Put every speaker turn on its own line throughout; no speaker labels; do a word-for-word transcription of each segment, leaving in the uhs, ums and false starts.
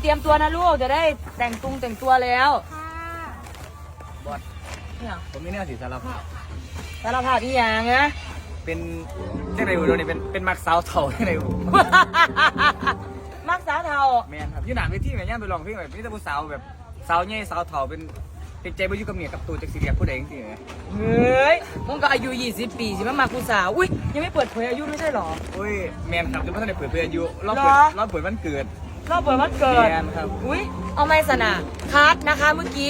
รียมตัวนะลูกจะได้แต่งตุงแต่งตัวแล้วบอสเนี่ย
ผมมีเนื้อสีสารภาพ
สารภาพอีหยังนะ
เป็นเจ้าไหนอยู่นี่เป็นเป็นมักสาวเถ่าเจ้าไหนอยู่
มักสาวเทา
แมนครับยี่หนานไปที่ไหนย่านไปลองเพลงแบบนี่จะผู้สาวแบบสาวใหญ่สาวเถ่าเป็นเป็นใจบ่อยู่กับเมียกับตัวจากสีเรียกผู้ใดจริงๆเลย
เฮ้ยมึงก็อายุยี่สิบปีสิมามากูสาวอุ้ยยังไม่เปิดเผยอายุไม่ใช่หรอ
อุ้ยแมนครับจะไม่ทันได้เปิดเผยอายุรอบเปิดรอบเปิดวันเกิด
รอบเปิดวันเกิด
แมนครับ
อุ้ยเอาไม่สนะคัดนะคะเมื่อกี้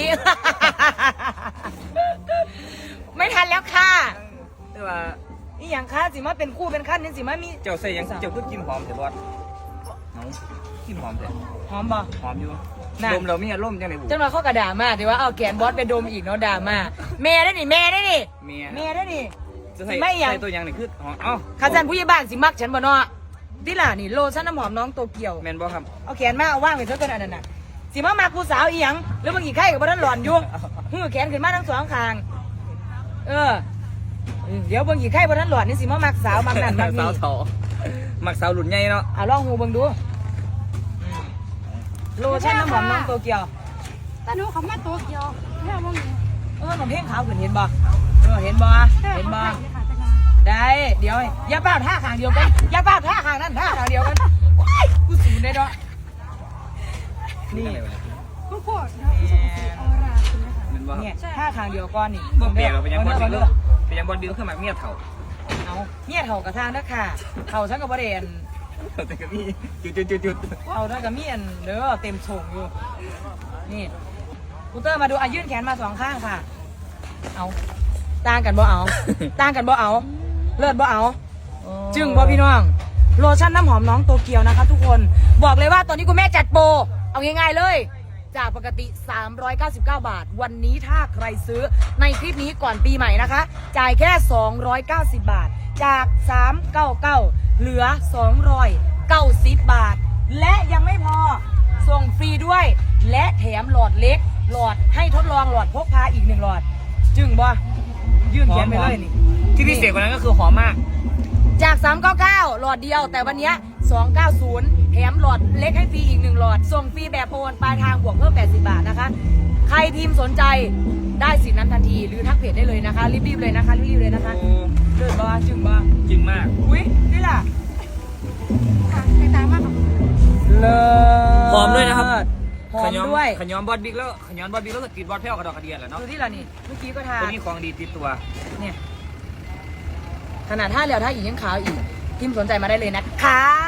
ไม่ทันแล้วค่ะ
แต่ว่า
นี่อย่างค่าสิมาเป็นคู่เป็นขั้นนี่สิมามี
เจ้าใส่ยังเจ้าก็กินหอมแต่บอสน้องกินหอมแต่
หอมบ่
หอมอยู่ดมเรามีอารมณ์จังไหนบุ
จังหวะเขากระด่ามาแต่ว่าเอาแขนบอสไปดมอีกเนาะด่ามาเมย์ได้นี่เมย์ได้นี่
เมีย
เมย์ได้นี่
สิไม่อย่างใส่ตัวอย่างนี่คือหอมเอ้า
ข้าจันผู้ใหญ่บ้านสิมักฉันบ่เนาะที่ล่ะนี่โลชั่นน้ำหอมน้องโตเกียว
แมนบอครับ
เอาแขนมาเอาว่างไปเท่ากันอันนั้นน่ะสิมามากูสาวอีหยังหรือมึงอีกไข่กับบ้านหล่อนอยู่หื้อแขนขึ้นมาทั้งสองข้างเออเดี๋ยวเบิ่งอีกไข่บ้านหล่อนนี่สิมามักสาวมักนั่นมักนี่
สาวเถามักสาวหลุดใหญ่เนาะ
อ่ะลองหูเบิ่งดูโลชั่นน้ำหอมน้องโตเกียว
ตาหนูเขามาโตเกียวแม่มองอยู่
เออมันเพ่งขาวขึ้นเห็นบ่เออเห็นบ่เห็นบ่ได้เดี๋ยวอย่าป้าท่าข้างเดียวกันอย่าป้าท่าข้างนั้นท่าข้างเดียวกันกูสูนได้ด้วยนี่
กูโคตรนะออราคุณนะคะ
เนี่ยท่าข้างเดียวก้อนนี่
บ่เปลี่ยนเป็นยังบอลบิวเป็นยังบอลบิวขึ้นมาเมียเถ่า
เอาเมียเถ่ากระทางนะค่ะเถ่าฉันกับประเด็น
แต่ก็มีจุดจุดจุดจุด
เถ่าฉันกับเมียนเด้อเต็มโฉงอยู่นี่กูเตอร์มาดูอายื่นแขนมาสองข้างค่ะเอาต่างกันบ่เอาต่างกันบ่เอาเลิศบ่เอาจึงบ่พี่น้องโลชั่นน้ำหอมน้องโตเกียวนะคะทุกคนบอกเลยว่าตอนนี้คุณแม่จัดโปรเอาง่ายๆเลยจากปกติสามร้อยเก้าสิบเก้าบาทวันนี้ถ้าใครซื้อในคลิปนี้ก่อนปีใหม่นะคะจ่ายแค่สองร้อยเก้าสิบบาทจากสามร้อยเก้าสิบเก้าเหลือสองร้อยเก้าสิบบาทและยังไม่พอส่งฟรีด้วยและแถมหลอดเล็กหลอดให้ทดลองหลอดพกพาอีกหนึ่งหลอดจึงบ่ยื่นแขนไปเลยนี่
ที่พิเศษกว่านั้นก็คือหอมมาก
จากสามร้อยเก้าสิบเก้าหลอดเดียวแต่วันนี้สองร้อยเก้าสิบแถมหลอดเล็กให้ฟรีอีกหนึ่งหลอดส่งฟรีแบบโอนปลายทางบวกเพิ่มแปดสิบบาทนะคะใครพิมพ์สนใจได้สิทธิ์นั้นทันทีหรือทักเพจได้เลยนะคะรีบๆเลยนะคะรีบๆเลยนะคะเลิศบ่จึงบ่
จึงมาก
อุ้ยนี่ล่ะ
ค่ะในตามากค่ะ
เลิศ
หอมด้วยนะครับ
หอมด้วย
ขย้อมบอดบิ๊กแล้วขย้อมบอดบิ๊กแล้วก็ติดบอดแพ้วกระดอกกระเดียนแหละเนาะ
ดูที่ล่ะนี่เมื่อกี้ก็ทา
ตัวนี้ของดีติดตัว
เนี่ยขนาดท่าเหลียวท่าอีกยังขาวอีกพิมพ์สนใจมาได้เลยนะคะ